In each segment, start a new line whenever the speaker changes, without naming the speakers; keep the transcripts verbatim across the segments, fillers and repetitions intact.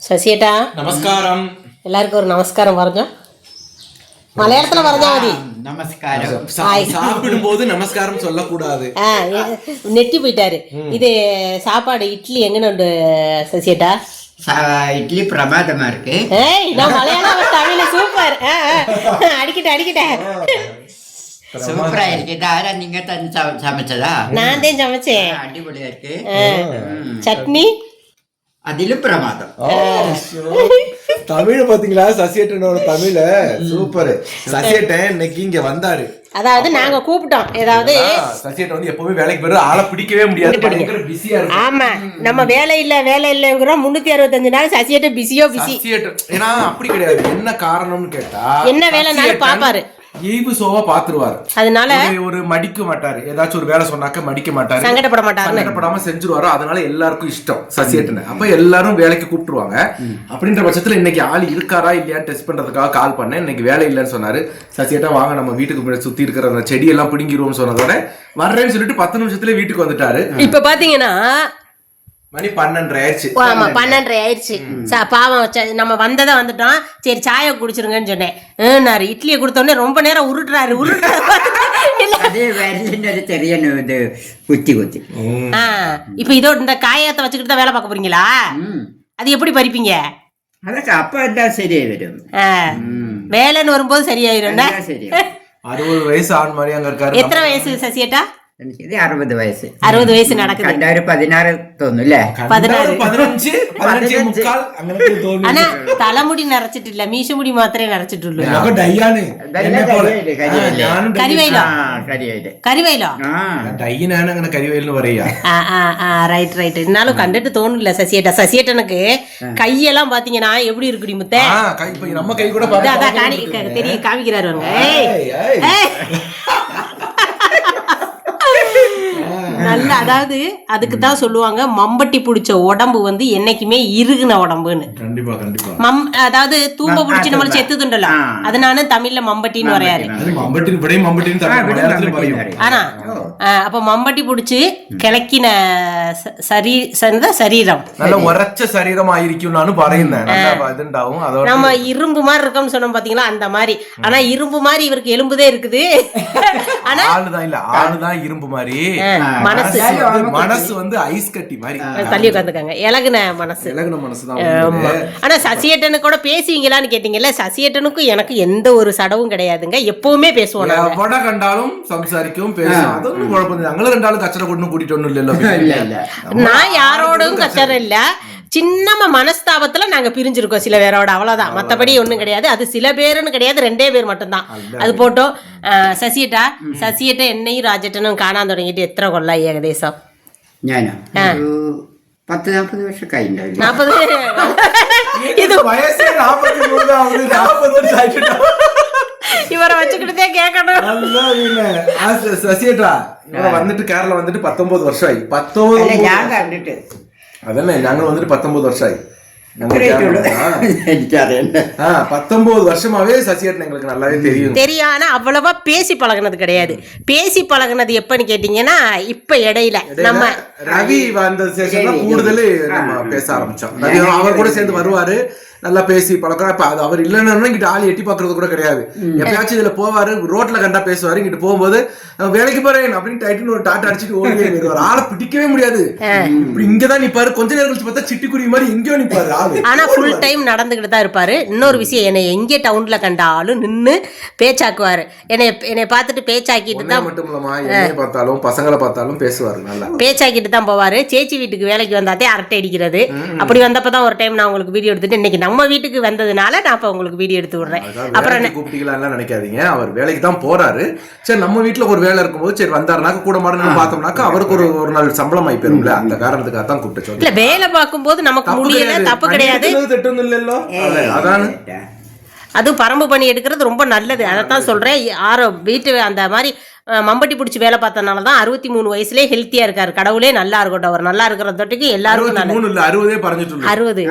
ശശിയേട്ടാ
നമസ്കാരം.
എല്ലാവർക്കും ഒരു നമസ്കാരം പറഞ്ഞോ. മലയാളത്തില് പറഞ്ഞാ മതി.
நமஸ்காரம்.
சாப்பிடும்போது நமஸ்காரம் சொல்லக்கூடாது.
ஆ நெட்டி போயிட்டாரு. இது சாப்பாடு இட்லி எங்கன்னு சசியேட்டா?
இட்லி பிரமாதமா இருக்கு.
ஏய் நான் மலையாளம் தமிழ் சூப்பர். அடிக்கிட்ட அடிக்கிட்ட
சூப்பரா இருக்கு. தாரா நீங்க தான் சமைச்சதா?
நான் தான் சமைச்சேன்.
அடிபொலியா இருக்கு.
சட்னி
அதிலும் பிரமாதம்.
தமிழ் பாத்தீங்களா? சசியேட்டனோட தமிழ் சூப்பர். சசியேட்டன் இன்னைக்கு இங்க வந்தாரு.
அதாவது நாங்க கூப்பிட்டோம். ஏதாவது
சசியேட்டன் வந்து எப்பவுமே வேலைக்கு போயிரு, ஆளை பிடிக்கவே முடியாது, பயங்கர பிஸியா இருக்கு.
ஆமா, நம்ம வேலை இல்ல வேலை இல்லங்கிறோம். முன்னூத்தி அறுபத்தஞ்சு நாள் சசியேட்டன் பிஸியோ பிஸி.
சசியேட்டன் ஏன்னா அப்படி கிடையாது. என்ன காரணம்னு கேட்டா
என்ன வேலைனாலும் பாப்பாரு.
ஈவு சோவா பாத்துருவாரு.
அதனால
ஒரு மடிக்க மாட்டாரு. ஏதாச்சும் ஒரு வேலை சொன்னாக்க மடிக்க மாட்டாரு,
சங்கடப்பட மாட்டாரு,
சங்கடப்படாம செஞ்சுருவாரு. அதனால எல்லாருக்கும் இஷ்டம் சசியேட்டனை. அப்ப எல்லாரும் வேலைக்கு கூப்பிட்டுருவாங்க. அப்படின்ற பட்சத்துல இன்னைக்கு ஆள் இருக்காரா இல்லையான்னு டெஸ்ட் பண்றதுக்காக கால் பண்ணேன். இன்னைக்கு வேலை இல்லைன்னு சொன்னாரு. சசியேட்டா வாங்க நம்ம வீட்டுக்கு சுத்தி இருக்கிற அந்த செடியெல்லாம் பிடிங்கிருவோம்னு சொன்னதோட வர்றேன்னு சொல்லிட்டு பத்து நிமிஷத்துல வீட்டுக்கு வந்துட்டாரு.
இப்ப பாத்தீங்கன்னா
மணி பன்னெண்டரை ஆயிடுச்சு.
ஆமா பன்னெண்டரை ஆயிடுச்சு. பாவம் நம்ம வந்ததை வந்துட்டோம். சரி சாய குடிச்சிருங்கன்னு சொன்னேன். இட்லியை கொடுத்தோடனே ரொம்ப நேரம் உருட்டுறாரு உருட்டுறாரு
தெரியணும் இது குத்தி குத்தி.
இப்ப இதோ இந்த காயத்தை வச்சுக்கிட்டு தான் வேலை பார்க்க போறீங்களா? அது எப்படி பறிப்பீங்க?
அதுக்கு அப்ப தான் சரியா வரும்.
வேலைன்னு வரும்போது சரியாயிரும்.
அறுபது வயசு ஆண் மாதிரி அங்க இருக்காரு.
எத்தனை வயசு சசியேட்டா?
அறுபது வயசு.
அறுபது வயசு நடக்குது.
ரெண்டாயிரம் பதினாறு தோணுல.
ஆனா தலைமுடி நரைச்சிட்டு இல்ல, மீச முடி மாத்திரை நரைச்சிட்டு இல்ல. கரிவயலோ கரிவயலோ
கரிவயல்னு வரையா?
Right right. என்னாலும் கண்டுட்டு தோணுல சசியேட்டா. சசியேட்டனுக்கு கையெல்லாம் பாத்தீங்கன்னா எப்படி இருக்கு முத்த?
நம்ம கை கூட
தெரிய காமிக்கிறாரு. நல்ல அதாவது அதுக்கு தான் சொல்லுவாங்க மம்பட்டி பிடிச்ச உடம்பு வந்து என்னைக்குமே இறுகுன உடம்புன்னு.
கண்டிப்பா கண்டிப்பா.
மம் அதாவது தூம்ப பிடிச்சி நம்மள செத்துதுண்டல, அதனால தமிழ்ல மம்பட்டின்னு வரையாரு. ஆனா அப்ப மம்பட்டி பிடிச்சி கிளக்கின சரீ சரீரம்
நல்ல உரைச்ச சரீரம் ஆயிருக்கும். நானும் பறையுந்தேன்.
நம்ம இரும்பு மாதிரி இருக்கோம்னு சொன்னோம் பாத்தீங்களா, அந்த மாதிரி. ஆனா இரும்பு மாதிரி இவருக்கு எலும்புதே இருக்குது. ஆனா
ஆளுதான் இல்ல, ஆளுதான் இரும்பு மாதிரி.
மனசு
மனசு வந்து ஐஸ் கட்டி மாதிரி
தள்ளி உட்காந்துக்காங்க. இலகுன மனசு,
இலகுன மனசுதான்.
ஆனா சசியேட்டனு கூட பேசுவீங்களான்னு கேட்டீங்கல்ல, சசியேட்டனுக்கும் எனக்கு எந்த ஒரு சடவும் கிடையாதுங்க. எப்பவுமே பேசுவோம்.
எவட கண்டாலும் சம்சாரிக்கும் பேசுவோம். அது ஒன்றும் குழப்பம். நாங்களும் ரெண்டாலும் கச்சரை கொண்டு கூட்டிட்டு ஒன்றும் இல்ல.
நான் யாரோடும் கச்சரை இல்ல. சின்னமா மனஸ்தாபத்துல நாங்க பிரிஞ்சிருக்கோம் சில பேரோட, அவ்வளவுதான். மத்தபடி ஒண்ணும் கிடையாது. அது சில பேருன்னு கிடையாது, ரெண்டே பேர் மட்டும்தான். அது போட்டோம். சசியேட்டா சசியேட்டா என்னையும் ராஜேட்டனும் காணாம தொடங்கிட்டு எத்தனை கொள்ளா ஏகதேசம்?
பத்து நாற்பது வருஷம் கைண்டா.
நாற்பது
இது வயசு நாற்பத்தி மூணு ஆகுது. நாற்பது வருஷம் ஆயிட்டு
இவரை வச்சுக்கிட்டே கேட்கணும்.
சசியேட்டா இவரை வந்துட்டு கேரளா வந்துட்டு பத்தொன்பது வருஷம் ஆகி. பத்தொன்பது அதென்ன நாங்க வந்துட்டு பத்தொன்பது வருஷம் ஆகி. பத்தொன்பது வருஷமாவே சசியேட்டன் எங்களுக்கு நல்லாவே தெரியும்
தெரியும். ஆனா அவ்வளவா பேசி பழகினது கிடையாது. பேசி பழகினது எப்பன்னு கேட்டீங்கன்னா இப்ப இடையில நம்ம
ரவி வந்த சேஷன்ல கூடுதல் நம்ம பேச ஆரம்பிச்சோம். அவர் கூட சேர்ந்து வருவாரு, நல்லா பேசி பழக்கம். இப்ப அது அவர் இல்லைன்னா இங்கிட்ட ஆளி எட்டி பாக்குறது கூட கிடையாது. எப்பயாச்சும் இதுல போவாரு, ரோட்ல கண்டா பேசுவாரு. இங்கிட்டு போகும்போது வேலைக்கு போறேன் அப்படின்னு டைட்டுன்னு ஒரு டாட்டா அடிச்சுட்டு ஓடி வருவாரு. ஆளை பிடிக்கவே முடியாது. இப்படி இங்கதான் நிப்பாரு. கொஞ்ச நேரம் கழிச்சு பார்த்தா சிட்டுக்குருவி மாதிரி எங்கேயோ நிப்பாரு ஆளு.
ஆனா ஃபுல் டைம் நடந்துகிட்டு தான் இருப்பாரு. இன்னொரு விஷயம், என்னை எங்கே டவுன்ல கண்டாலும் நின்னு பேச்சாக்குவாரு. என்னை என்னை பார்த்துட்டு பேச்சாக்கிட்டு தான்
மட்டும் இல்லமா என்னைய பார்த்தாலும் பசங்களை பார்த்தாலும் பேசுவாரு. நல்லா
பேச்சாக்கிட்டு தான் போவாரு. சேச்சி வீட்டுக்கு வேலைக்கு வந்தாதே அரட்டை அடிக்கிறது. அப்படி வந்தப்பதான் ஒரு டைம் நான் உங்களுக்கு வீடியோ எடுத்துட்டு, இன்னைக்கு நம்ம வீட்டுக்கு வந்ததுனால நான் இப்ப உங்களுக்கு வீடியோ எடுத்து விடுறேன்.
அப்புறம் கூப்பிட்டீங்களா நினைக்காதீங்க, அவர் வேலைக்கு தான் போறாரு. சரி நம்ம வீட்டுல ஒரு வேலை இருக்கும்போது சரி வந்தாருனாக்க கூட மாடணும் பார்த்தோம்னாக்க அவருக்கு ஒரு ஒரு நாள் சம்பளம் ஆகி போயிரும்ல, அந்த காரணத்துக்காக தான் கூப்பிட்டு.
இல்ல வேலை பார்க்கும்போது நமக்கு முடியல, தப்பு கிடையாது.
அதான்
அது பரம்பு பண்ணி எடுக்கிறது ரொம்ப நல்லது. அதைத்தான் சொல்றேன். ஆரோ வீட்டு அந்த மாதிரி மம்பட்டி பிடிச்சி வேலை பார்த்தனால தான் அறுபத்தி மூணு வயசுலேயே ஹெல்த்தியா இருக்காரு. கடவுளே நல்லா இருக்கட்டும். அவர் நல்லா இருக்கிற தொட்டிக்கு எல்லாருக்கும்
அறுபதே பறந்துட்டு
அறுபது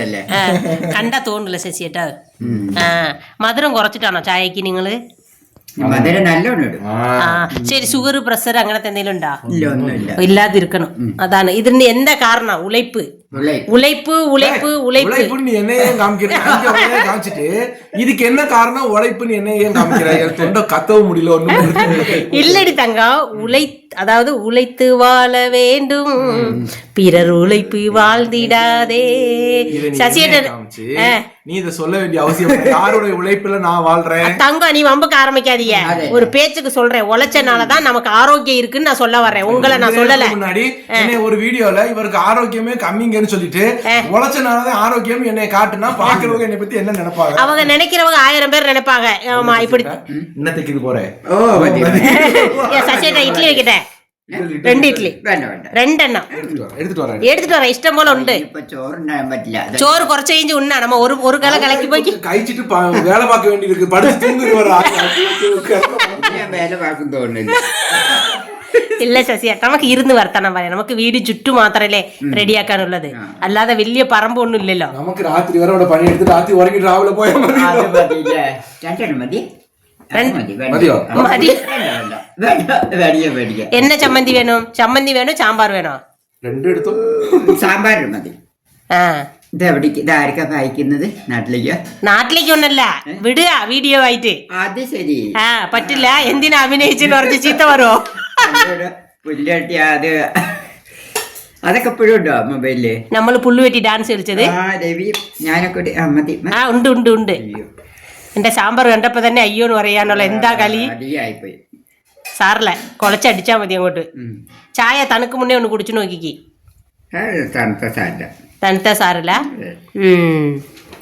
அவர்
கண்டா தோணல சசியேட்டா. மதுரம் குறைச்சிட்டானோ சாயக்கு? நீங்களு
മധുരം നല്ലോണം ഇടും.
ആ ശരി. ഷുഗർ പ്രഷർ അങ്ങനത്തെ എന്തെങ്കിലും ഉണ്ടോ?
ഇല്ല, ഒന്നുമില്ല.
ഇല്ലാതിരിക്കണം. അതാണ് ഇതിന്റെ എന്താ കാരണം? ഉழைப்பு உழைப்பு உழைப்பு உழைப்பு
உழைப்புன்னு நீ என்ன ஏன் காமிக்கிற? காமிச்சிட்டு இதுக்கு என்ன காரணம் உழைப்புன்னு என்ன ஏன் காமிக்கிற? தொண்டை கத்தவும் முடியல ஒண்ணும்
இல்லடி தங்கம். உழை அதாவது உழைத்து வாழ வேண்டும், பிறர் உழைப்பு வாழ்ந்திடாதே. சசியேட்டர்
நீ இத சொல்ல வேண்டிய அவசியம் யாரோட உழைப்புல நான் வாழ்றேன்?
தங்கம் நீ வம்புக்கு ஆரம்பிக்காதீங்க. ஒரு பேச்சுக்கு சொல்றேன். உழைச்சனாலதான் நமக்கு ஆரோக்கியம் இருக்குன்னு நான் சொல்ல வர்றேன். உங்களை நான் சொல்லல.
முன்னாடி ஒரு வீடியோல இவருக்கு ஆரோக்கியமே கம்மிங்கன்னு சொல்லிட்டு உழைச்சனாலதான் ஆரோக்கியம் என்னை காட்டுனா பாக்குறவங்க என்னை பத்தி என்ன நினைப்பாங்க?
அவங்க நினைக்கிறவங்க ஆயிரம் பேர் நினைப்பாங்க. ஆமா இப்படி
இன்னத்துக்கு இது போறேன்.
சசியேட்டர் இட்லி வைக்கிட்டேன். ரெண்டு இட்லி ரெண்டெண்ணம்
எடுத்துட்டு வரேன்.
எடுத்துட்டு வரேன். இஷ்டம் போல உண்டு. சோறு குறைச்சு இஞ்சி உண்ணா நம்ம ஒரு ஒரு கலை கலக்கி போய்
കഴിച്ചിട്ട് വേല பார்க்க വേണ്ടിயிருக்கு. படுத்து தூங்குற
വേല പാക്കും തോന്നുന്നില്ല.
ഇല്ല ശശി, നമുക്ക് ഇരുന്ന് വർത്തനം പറയാം. നമുക്ക് വീട് ചുറ്റു മാത്രല്ലേ റെഡിയാക്കാനുള്ളത്, അല്ലാതെ വലിയ പറമ്പ് ഒന്നും ഇല്ലല്ലോ.
നമുക്ക് രാത്രി വരെ അവിടെ പണിയെടുത്ത് രാത്രി ഉറങ്ങി രാവിലെ പോയാൽ മതി.
രണ്ടെണ്ണം മതി.
മതിയോ?
മതി. എന്നെ ചമ്മന്തി വേണോ? ചമ്മന്തി വേണോ സാമ്പാർ വേണോ?
രണ്ടും എടുത്തു.
സാമ്പാർ മതി.
ആ
ഇത് എവിടേക്ക്? ഇത് ആർക്കാ വായിക്കുന്നത്? നാട്ടിലേക്കോ?
നാട്ടിലേക്ക് ഒന്നല്ല, വിടുക വീഡിയോ ആയിട്ട്.
അത് ശരി.
ആ പറ്റില്ല. എന്തിനാ അഭിനയിച്ചെന്ന് പറഞ്ഞ് ചീത്ത വരുമോ?
പുല്ലട്ടി അത് അതൊക്കെ എപ്പോഴും ഉണ്ടോ മൊബൈലില്?
നമ്മള് പുല്ലു വെട്ടി ഡാൻസ് കളിച്ചത്.
ആ രവി ഞാനൊക്കെ മതി.
ആ ഉണ്ട് ഉണ്ട് ഉണ്ട്. എന്റെ സാമ്പാർ കണ്ടപ്പോ തന്നെ അയ്യോന്ന് പറയാനുള്ള എന്താ കളി.
അടിയായിപ്പോയി.
സാറില്ല, കൊളച്ചടിച്ചാ മതി അങ്ങോട്ട്. ചായ തണുക്ക് മുന്നേ ഒന്ന് കുടിച്ചു നോക്കിക്ക്.
തണുത്ത സാരില്ല.
തണുത്ത സാറില്ല. ഉം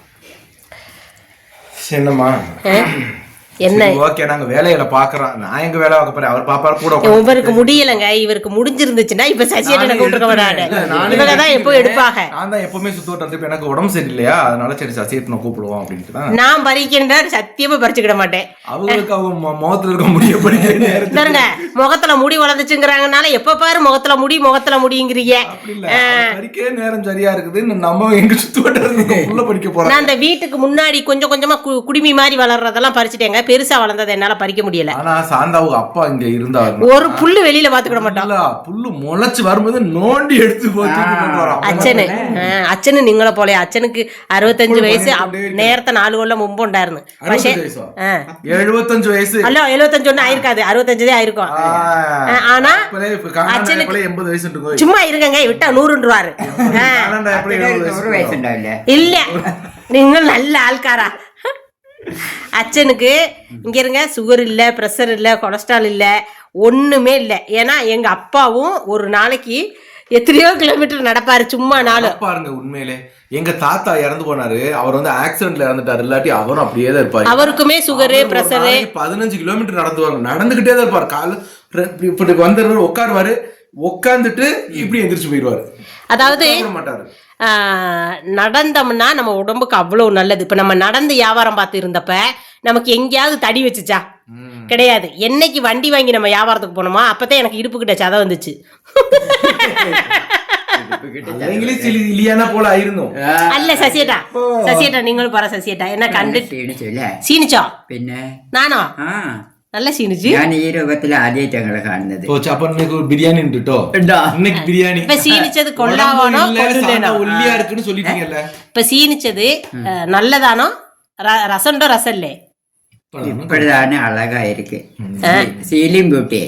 என்னம்மா
என்ன
ஓகே, நாங்க வேலையில பாக்குறோம். நான் எங்க வேலை பார்க்க போறேன், அவர் பாப்பாரு கூட.
இவருக்கு முடியலங்க. இவருக்கு முடிஞ்சிருந்துச்சுன்னா இப்ப சசியேட்டனை கூப்பிட்டு வராது. இவங்க தான் எப்போ எடுப்பாங்க.
நான் தான் எப்பவுமே சுத்தோட்டம். இப்ப எனக்கு உடம்பு சரியில்லையா, அதனால சரி சசியேட்டனை கூப்பிடுவோம் அப்படின்ட்டு தான்.
நான் பறிக்கின்ற சத்தியமா பறிச்சுக்கிட மாட்டேன்.
அவங்களுக்கு அவங்க முகத்துல இருக்க முடிய
பாருங்க, முகத்துல முடி வளர்ந்துச்சுங்கிறாங்கனால எப்ப பாரு முகத்துல முடி முகத்துல முடிங்கிறீங்க.
பறிக்கே நேரம் சரியா இருக்குது. நம்ம எங்க சுத்தோட்டம் உள்ள படிக்க போறோம்.
நான் அந்த வீட்டுக்கு முன்னாடி கொஞ்சம் கொஞ்சமா குடிமி மாதிரி வளர்றதெல்லாம் பறிச்சுட்டேங்க. பெருசா வளர்ந்தது என்னால பறிக்க முடியல.
ஆனா சாந்தாவுக்கு அப்பா இங்க இருந்தாரு.
ஒரு புல்லு வெளியில பாத்துக்கிட மாட்டோம்.
புல்லு முளைச்சு வரும்போது நோண்டி எடுத்து போட்டு
അച്ഛന് അച്ഛന് നിങ്ങളെ പോലെ അച്ഛനക്ക് അറുപത്തഞ്ച് വയസ്സ് നേരത്തെ നാലു കൊല്ലം മുമ്പ് ഉണ്ടായിരുന്നു. പക്ഷെ
എഴുപത്തഞ്ച് വയസ്സ്
അല്ലോ എഴുപത്തഞ്ച് ഒന്നും ആയിരിക്കാது, അറുപത്തഞ്ചേ ആയിരിക്കും. ஆனா அச்சனுக்கு
எண்பது வயசு இருக்கும்.
சும்மா இருங்க, விட்டா நூறுன்றுவாரு. இல்ல நீங்கள் நல்ல ஆள்காரா. அச்சனுக்கு இங்க இருங்க சுகர் இல்ல, பிரஷர் இல்ல, கொலஸ்ட்ரால் இல்ல, ஒண்ணுமே இல்ல. ஏன்னா எங்க அப்பாவும் ஒரு நாளைக்கு எத்தனையோ கிலோமீட்டர் நடப்பாரு சும்மா நாள்.
பாருங்க, உண்மையிலே எங்க தாத்தா இறந்து போனாரு. அவர் வந்து ஆக்சிடென்ட்ல இறந்துட்டாரு. இல்லாட்டி அவரும் அப்படியே தான் இருப்பாரு.
அவருக்குமே சுகரு பிரஷரு.
பதினஞ்சு கிலோமீட்டர் நடந்து நடந்துகிட்டே தான் இருப்பாரு. கால இப்படி வந்துருவாரு, உட்காருவாரு, உட்காந்துட்டு இப்படி எந்திரிச்சு போயிடுவாரு.
அதாவது
மாட்டாரு.
நடந்தோம்னா நம்ம உடம்புக்கு அவ்வளவு நல்லது. இப்ப நம்ம நடந்து வியாபாரம் பார்த்து இருந்தப்ப நமக்கு எங்கேயாவது தடி வச்சுச்சா? கிடையாது. என்னைக்கு வண்டி வாங்கி நம்ம வியாபாரத்துக்கு போனோமா அப்பதான் எனக்கு இடுப்பு கிட்ட சதை வந்துச்சு. അല്ല സസിയേട്ടാ, സസിയേട്ടാ നിങ്ങൾ പറ സസിയേട്ടാ. എന്നെ കണ്ടിട്ട് ക്ഷീണിച്ചോ? പിന്നെ നാനോ നല്ല ക്ഷീണിച്ചു.
ഞാൻ ഈ രൂപത്തിൽ ആദ്യമായിട്ട് ഞങ്ങളെ കാണുന്നത്.
ബിരിയാണി ഉണ്ട് കേട്ടോ. ബിരിയാണി
ഇപ്പൊ ക്ഷീണിച്ചത് കൊള്ളാവാണോ കൊള്ളില്ലേനോ?
ഒല്ലിയാ இருக்குன்னு சொல்லிட்டீங்கல்ல.
ഇപ്പൊ ക്ഷീണിച്ചത് നല്ലതാണോ രസമുണ്ടോ രസല്ലേ?
இப்படிதானே அழகா இருக்கு. Ceiling beauty.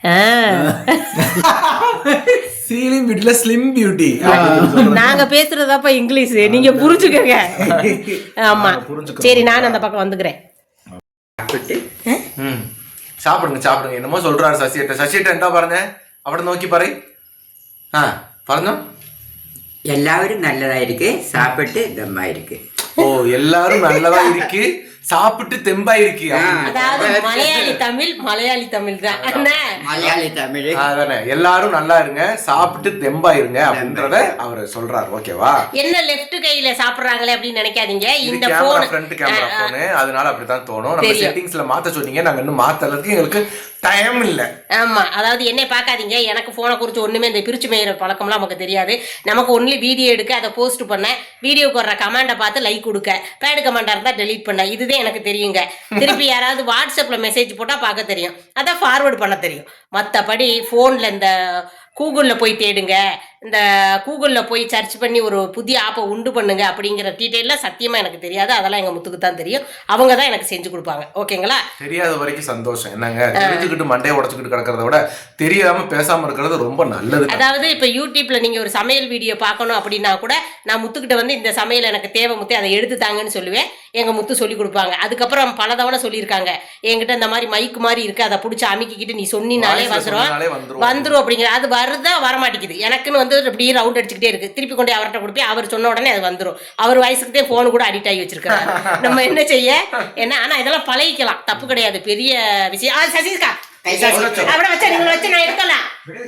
சீலிங் பியூட்டில ஸ்லிம் பியூட்டி.
நாங்க பேசுறதப்ப இங்கிலீஷ், நீங்க புரிஞ்சுக்கங்க. ஆமா சரி, நான் அந்த பக்கம் வந்துக்கிறேன்.
சாப்பிடுங்க சாப்பிடுங்க. என்னமோ சொல்றாரு சசியேட்ட. சசியேட்ட എന്താ പറഞ്ഞേ? അവിടെ നോക്കി പറയ്. ആ പറഞ്ഞോ.
எல்லாரும் நல்லதா இருக்கு, சாப்பிட்டு தெம்பா இருக்கு.
ஓ, எல்லாரும் நல்லதா இருக்கு, சாப்பிட்டு தெம்பா இருக்கு.
அதாவது மலையாளி தமிழ், மலையாளி தமிழ் தான்.
மலையாளி தமிழ்.
அதானே, எல்லாரும் நல்லா இருங்க, சாப்பிட்டு தெம்பா இருங்க அப்படின்றத அவர் சொல்றாரு. ஓகேவா?
என்ன லெஃப்ட் கையில சாப்பிடுறாங்களே அப்படின்னு நினைக்காதீங்க. இந்த
கேமரா ஃப்ரண்ட் கேமரா போன், அதனால அப்படிதான் தோணும். நம்ம செட்டிங்ஸ்ல மாத்த சொன்னீங்க, நாங்க இன்னும் மாத்தல இருக்கு. எங்களுக்கு டைம் இல்ல.
ஆமா, அதாவது என்னை பார்க்காதீங்க, எனக்கு போனை குறித்து ஒண்ணுமே இந்த பிரிச்சு மேயிற பழக்கம்லாம் நமக்கு தெரியாது. நமக்கு ஒன்லி வீடியோ எடுக்க, அதை போஸ்ட் பண்ண, வீடியோக்கு வர்ற கமெண்டை பார்த்து லைக் கொடுக்க, பேடு கமெண்டா இருந்தா டெலீட் பண்ண, இதுதான் எனக்கு தெரியுங்க. திருப்பி யாராவது வாட்ஸ்அப்ல மெசேஜ் போட்டா பார்க்க தெரியும், அதான் ஃபார்வர்டு பண்ண தெரியும். மற்றபடி போன்ல இந்த கூகுளில் போய் தேடுங்க, இந்த கூகுளில் போய் சர்ச் பண்ணி ஒரு புதிய ஆப்பை உண்டு பண்ணுங்க அப்படிங்கிற டீட்டெயிலாம் சத்தியமாக எனக்கு தெரியாது. அதெல்லாம் எங்கள் முத்துக்கு தான் தெரியும். அவங்க தான் எனக்கு செஞ்சு கொடுப்பாங்க. ஓகேங்களா?
தெரியாத வரைக்கும் சந்தோஷம். என்னங்க, தெரிஞ்சுக்கிட்டு மண்டையை உடச்சுக்கிட்டு கிடக்கிறத விட தெரியாம பேசாம இருக்கிறது ரொம்ப நல்லது.
அதாவது இப்போ யூடியூப்ல நீங்கள் ஒரு சமையல் வீடியோ பார்க்கணும் அப்படின்னா கூட நான் முத்துக்கிட்ட வந்து இந்த சமையல் எனக்கு தேவை முத்து, அதை எடுத்து தாங்கன்னு சொல்லுவேன். எங்கள் முத்து சொல்லி கொடுப்பாங்க. அதுக்கப்புறம் பல தவணை சொல்லியிருக்காங்க, என்கிட்ட இந்த மாதிரி மைக்கு மாதிரி இருக்கு, அதை பிடிச்சி அமுக்கிக்கிட்டு நீ சொன்னினாலே வந்துடும் வந்துடும் அப்படிங்கிற. அது வருதா வரமாட்டேங்குது, எனக்குன்னு வந்து அப்படியே ரவுண்ட் அடிச்சுக்கிட்டே இருக்கு. திருப்பி கொண்டு அவர்கிட்ட கொடுப்பேன், அவர் சொன்ன உடனே அது வந்துடும். அவர் வயசுக்குதே போன் கூட அடிக்ட் ஆகி வச்சிருக்காரு. நம்ம என்ன செய்ய என்ன, ஆனா இதெல்லாம் பழகிக்கலாம், தப்பு கிடையாது, பெரிய விஷயம். ஆ சசிகா அப்படி வச்சா நீங்க வச்சு நான் எடுக்கலாம்.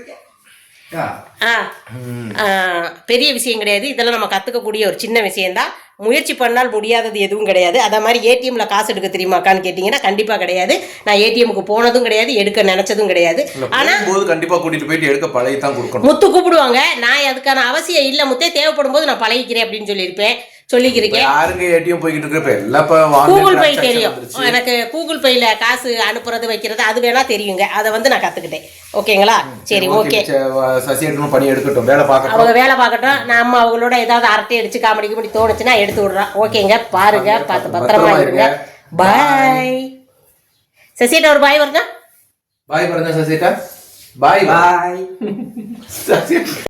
பெரிய விஷயம் கிடையாது, இதெல்லாம் நம்ம கத்துக்கக்கூடிய ஒரு சின்ன விஷயம்தான். முயற்சி பண்ணால் முடியாதது எதுவும் கிடையாது. அதே மாதிரி ஏடிஎம்ல காசு எடுக்க தெரியுமாக்கான்னு கேட்டீங்கன்னா கண்டிப்பா கிடையாது. நான் ஏடிஎம்க்கு போனதும் கிடையாது, எடுக்க நினைச்சதும் கிடையாது. ஆனா
கண்டிப்பா கூட்டிட்டு போயிட்டு எடுக்க பழகி தான் கொடுக்கணும்.
முத்து கூப்பிடுவாங்க, நான் அதுக்கான அவசியம் இல்ல முத்தே, தேவைப்படும் போது நான் பழகிக்கிறேன் அப்படின்னு சொல்லியிருப்பேன், சொல்லிக்கிறேன்.
யாருங்க ஏடிஎம் போய்கிட்டு இருக்க,
கூகுள் பே தெரியும் எனக்கு. கூகுள் பேல காசு அனுப்புறது வைக்கிறது அது வேணா தெரியுங்க, அதை வந்து நான் கத்துக்கிட்டேன். ஓகேங்களா? சரி, ஓகே.
சசியேட்டனும் பணி எடுக்கட்டும், வேலை பார்க்கட்டும்,
அவங்க வேலை பார்க்கட்டும். நம்ம அவங்களோட ஏதாவது அரட்டை அடிச்சு காமெடி கிமெடி தோணுச்சுன்னா எடுத்து விடுறோம். ஓகேங்க, பாருங்க, பார்த்து பத்திரமா இருங்க. பாய். சசியேட்டா ஒரு பாய் வருதா?
பாய் வருதா சசியேட்டா? பாய் பாய்.